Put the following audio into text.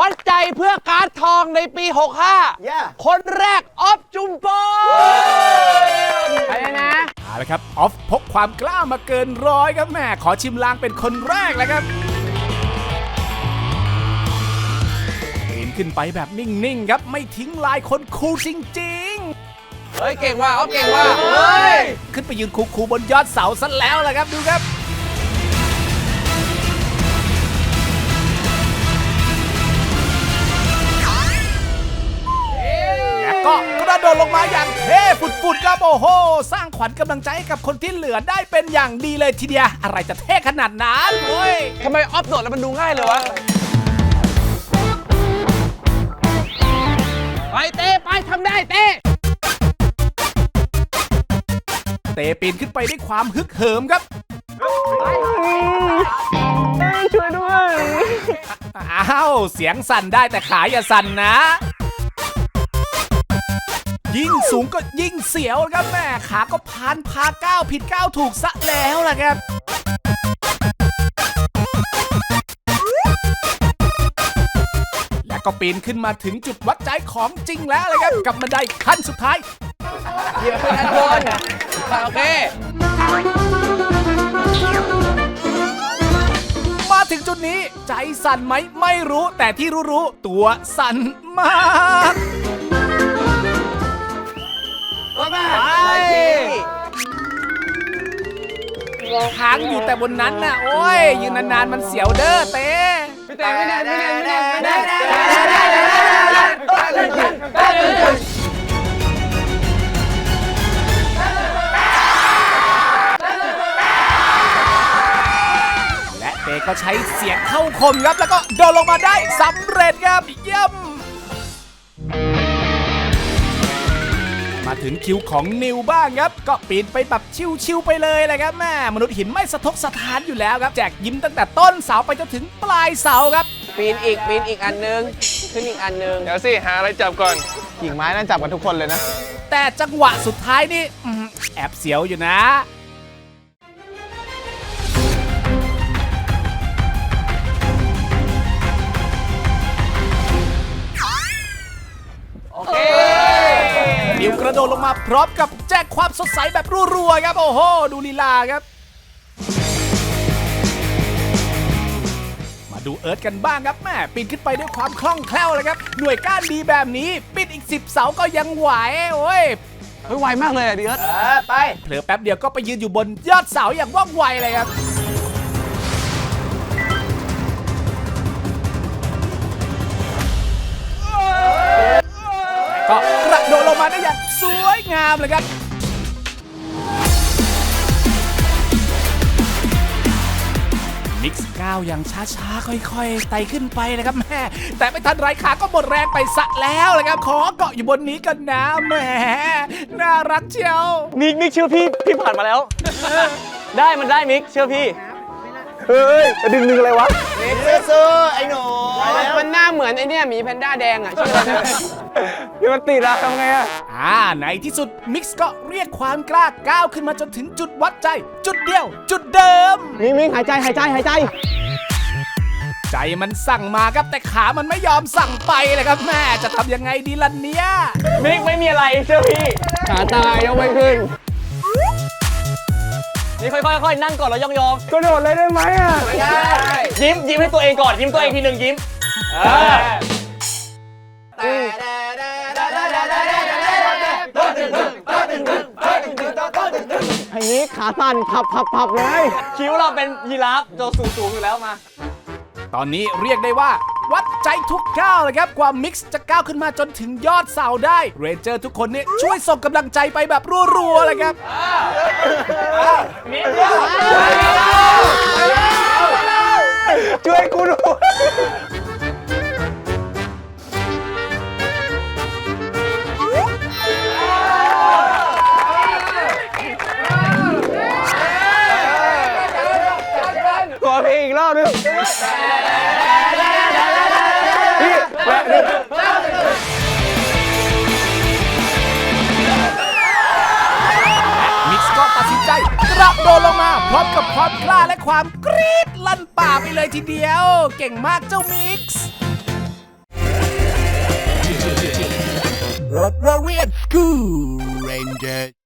ดใจเพื่อการ์ดทองในปี 65 คนแรกออฟจุมพลไปเลยนะเอาละครับออฟพกความกล้ามาเกินร้อยครับแม่ขอชิมลางเป็นคนแรกแล้วครับปีนขึ้นไปแบบนิ่งๆครับไม่ทิ้งลายคนคูลจริงๆเฮ้ยเก่งว่ะออฟเก่งว่ะเฮ้ยขึ้นไปยืนคูลๆบนยอดเสาซะแล้วล่ะครับดูครับก็กระโดดลงมาอย่างเท่ฟุดๆครับโอ้โหสร้างขวัญกำลังใจให้กับคนที่เหลือได้เป็นอย่างดีเลยทีเดียวอะไรจะเท่ขนาดนั้นเฮ้ยทำไมออฟโดดแล้วมันดูง่ายเลยวะไปเต้ไปทำได้เต้ปีนขึ้นไปด้วยความฮึกเหิมครับช่วยด้วยอ้าวเสียงสั่นได้แต่ขาอย่าสั่นนะยิ่งสูงก็ยิ่งเสียวครับแม่ขาก็พานพาก้าวผิดก้าวถูกซะแล้วล่ะครับและก็ปีนขึ้นมาถึงจุดวัดใจของจริงแล้วเลยครับกับบันไดขั้นสุดท้ายเหยียบขึ้นด้านบนโอเคมาถึงจุดนี้ใจสั่นไหมไม่รู้แต่ที่รู้ตัวสั่นมากค้างอยู่แต่บนนั้นน่ะโอ้ยยืนนานๆมันเสียวเด้อเต้พี่เต้ไม่ได้และเต้ก็ใช้เสียงเข้าคมครับแล้วก็โดดลงมาได้สำเร็จครับเยี่ยมมาถึงคิวของนิวบ้างครับก็ปีนไปแบบชิวๆไปเลยเลยครับแม่มนุษย์หินไม่สะทกสะท้านอยู่แล้วครับแจกยิ้มตั้งแต่ต้นเสาไปจนถึงปลายเสาครับปีนอีกอันนึงขึ้นอีกอันนึงเดี๋ยวสิหาอะไรจับก่อนกิ่งไม้นั่นจับกันทุกคนเลยนะแต่จังหวะสุดท้ายนี่แอบเสียวอยู่นะนิวกระโดดลงมาพร้อมกับแจกความสดใสแบบรัวๆครับโอ้โหดูลีลาครับมาดูเอิร์ธกันบ้างครับแม่ปีนขึ้นไปด้วยความคล่องแคล่วเลยครับหน่วยก้านดีแบบนี้ปีนอีก10 เสาก็ยังไหวโอ้ยไวมากเลยอ่ะดิเอิร์ธไปเผลอแป๊บเดียวก็ไปยืนอยู่บนยอดเสาอย่างว่องไวเลยครับก็กระโดดลงมาได้อย่างสวยงามเลยครับมิกซ์ก้าวอย่างช้าๆค่อยๆไต่ขึ้นไปนะครับแม่แต่ไม่ทันไรขาก็หมดแรงไปซะแล้วเลยครับขอเกาะอยู่บนนี้กันนะแหมน่ารักเชียวมิกเชื่อพี่ผ่านมาแล้วได้มันได้มิกเชื่อพี่เฮ้ยดึงอะไรวะมิกซื้อไอ้หนูมันหน้าเหมือนไอ้เนี่ยหมีแพนด้าแดงอ่ะชื่ออะไรนี่มันติดอะทำไงอะในที่สุดมิกซ์ก็เรียกความกล้าก้าวขึ้นมาจนถึงจุดวัดใจจุดเดียวจุดเดิมมิกหายใจใจมันสั่งมาครับแต่ขามันไม่ยอมสั่งไปเลยครับแม่จะทำยังไงดีล่ะเนี่ยมิกไม่มีอะไรเชื่อพี่ขาตายยกไม่ขึ้นนี่ค่อยๆนั่งก่อนแล้วยองกระโดดเลยได้ไหมอ่ะไม่ได้ยิ้มให้ตัวเองก่อนยิ้มตัวเองทีหนึ่งยิ้มไอ้นี้ขาสั่นพับเลยคิ้วเราเป็นยีราฟตัวสูงอยู่แล้วมาตอนนี้เรียกได้ว่าวัดใจทุกก้าวเลยครับกว่ามิกซ์จะก้าวขึ้นมาจนถึงยอดเสาได้เรนเจอร์ทุกคนเนี่ยช่วยส่งกำลังใจไปแบบรัวๆเลยครับช่วยกูด้วยขอเพลงอีกรอบนึงมิกซ์ก็ตัดสินใจกระโดดลงมาพร้อมกับความกล้าและความกรี๊ดลั่นป่าไปเลยทีเดียวเก่งมากเจ้ามิกซ์ Let's go Rangers